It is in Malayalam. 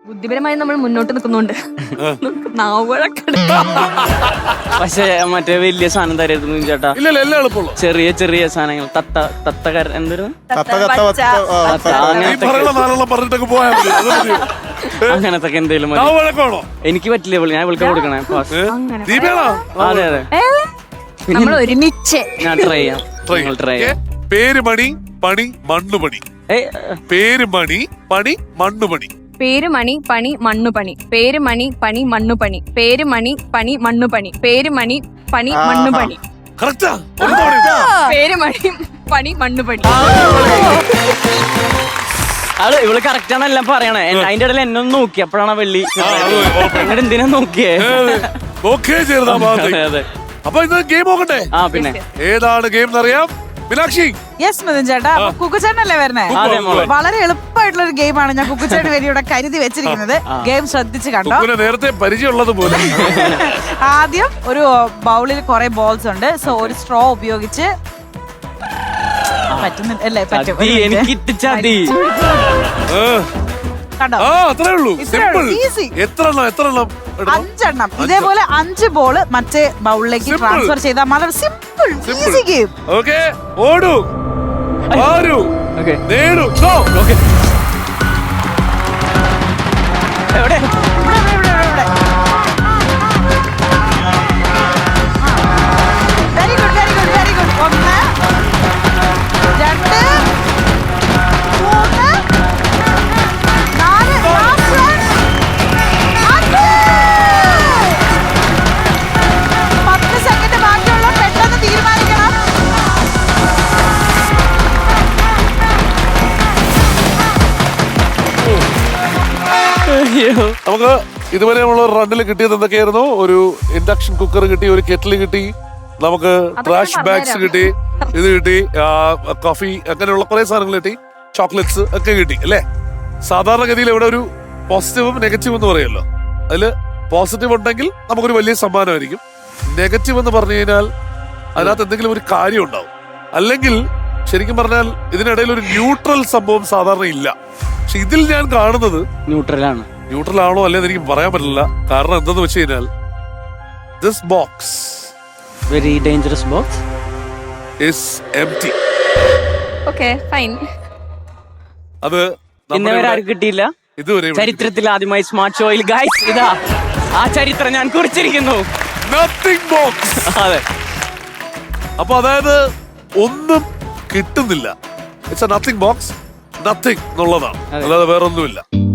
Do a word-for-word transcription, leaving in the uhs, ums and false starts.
ബുദ്ധിപരമായി നമ്മൾ മുന്നോട്ട് നിൽക്കുന്നുണ്ട്. പക്ഷെ മറ്റേ വലിയ സാധനം തരായിരുന്നു ചേട്ടാ. ഇല്ലല്ലോ, എല്ലാം എളുപ്പമുള്ളൂ. ചെറിയ ചെറിയ സാധനങ്ങൾ തത്ത തത്തക്കാരൻ എന്തൊരു അങ്ങനത്തെ എന്തെങ്കിലും എനിക്ക് പറ്റില്ല. ഞാൻ വിളിക്കാൻ കൊടുക്കണേ. അതെ അതെ, നമ്മൾ ഒരുമിച്ച് ഞാൻ ട്രൈ ചെയ്യാം. ട്രൈ ചെയ്യാം. പേര് മണി പണി മണ്ണുപണി. പേര് മണി പണി മണ്ണുപണി. പേര് മണി പണി മണ്ണുപണി. പേര് മണി പണി മണ്ണുപണി. പേര് മണി പണി മണ്ണുപണി. പേര് മണി പണി മണ്ണുപണി. പേര് മണി പണി മണ്ണുപണി. അത് ഇവള് കറക്റ്റ് ആണ് എല്ലാം പറയണേ. അതിന്റെ ഇടയിൽ എന്നെ ഒന്ന് നോക്കി, അപ്പോഴാണ് വെള്ളി എന്നിട്ട് എന്തിനാ നോക്കിയേ. അപ്പൊ ഇന്ന് ഗെയിം നോക്കട്ടെ. ആ പിന്നെ ഏതാണ് ഗെയിം എന്നറിയാം. മീനാക്ഷി. യെസ് മിഥുൻ ചേട്ടാ, കുക്കുച്ചേട്ടനല്ലേ വരണേ? വളരെ എളുപ്പമായിട്ടുള്ള ഒരു ഗെയിമാണ് ഞാൻ കുക്കുച്ചേട്ടന് വേണ്ടി ഇവിടെ കരുതി വെച്ചിരിക്കുന്നത്. ഗെയിം ശ്രദ്ധിച്ച് കണ്ടോ. നേരത്തെ പരിചയമുള്ളത് പോലെ. ആദ്യം ഒരു ബൗളിൽ കുറെ ബോൾസ് ഉണ്ട്. സോ ഒരു സ്ട്രോ ഉപയോഗിച്ച് പറ്റുന്നില്ല അല്ലേ? പറ്റും. കണ്ടോ, അഞ്ചെണ്ണം ഇതേപോലെ അഞ്ച് ബോള് മറ്റേ ബൗളിലേക്ക് ട്രാൻസ്ഫർ ചെയ്താൽ വളരെ സിമ്പിൾ ഈസി ഗെയിം. ഓക്കേ, ഓടൂ ആരൂ നേടൂ. എവിടെ very good very good very good. ഒന്ന് രണ്ട് മൂന്ന് നാല് പത്ത് സെക്കൻഡ് ബാക്കിയുള്ള പെട്ടെന്ന് തീരുമാനിക്കണം. നമുക്ക് ഇതുവരെ നമ്മൾ റണ്ണിൽ കിട്ടിയത് എന്തൊക്കെയായിരുന്നു? ഒരു ഇൻഡക്ഷൻ കുക്കർ കിട്ടി, ഒരു കെറ്റിൽ കിട്ടി, നമുക്ക് ട്രാഷ് ബാഗ്സ് കിട്ടി, ഇത് കിട്ടി, കോഫി, അങ്ങനെയുള്ള കുറെ സാധനങ്ങൾ കിട്ടി, ചോക്ലേറ്റ്സ് ഒക്കെ കിട്ടി അല്ലേ? സാധാരണഗതിയിൽ ഇവിടെ ഒരു പോസിറ്റീവും നെഗറ്റീവും എന്ന് പറയുമല്ലോ. അതില് പോസിറ്റീവ് ഉണ്ടെങ്കിൽ നമുക്കൊരു വലിയ സമ്മാനമായിരിക്കും. നെഗറ്റീവ് എന്ന് പറഞ്ഞു കഴിഞ്ഞാൽ അതിനകത്ത് എന്തെങ്കിലും ഒരു കാര്യം ഉണ്ടാവും. അല്ലെങ്കിൽ ശരിക്കും പറഞ്ഞാൽ ഇതിനിടയിൽ ഒരു ന്യൂട്രൽ സംഭവം സാധാരണ ഇല്ല. പക്ഷെ ഇതിൽ ഞാൻ കാണുന്നത് ന്യൂട്രലാണ്. ന്യൂട്രൽ ആണോ അല്ലേന്ന് എനിക്ക് പറയാൻ പറ്റില്ല. കാരണം എന്തെന്ന് വെച്ച് കഴിഞ്ഞാൽ this box very dangerous box is empty. Okay fine. അത് ഇന്നേവരെ ആരും കിട്ടിയില്ല. ഇതുവരെ ചരിത്രത്തിൽ ആദ്യമായി സ്മാർട്ട് ഷോയിൽ ഗൈസ് ഇതാ ആ ചരിത്രം ഞാൻ കുറിച്ചിരിക്കുന്നു. Nothing box. അതെ. അപ്പൊ അതായത് ഒന്നും കിട്ടുന്നില്ല. It's a nothing box. Nothing എന്നുള്ളതാണ്, അല്ലാതെ വേറൊന്നുമില്ല.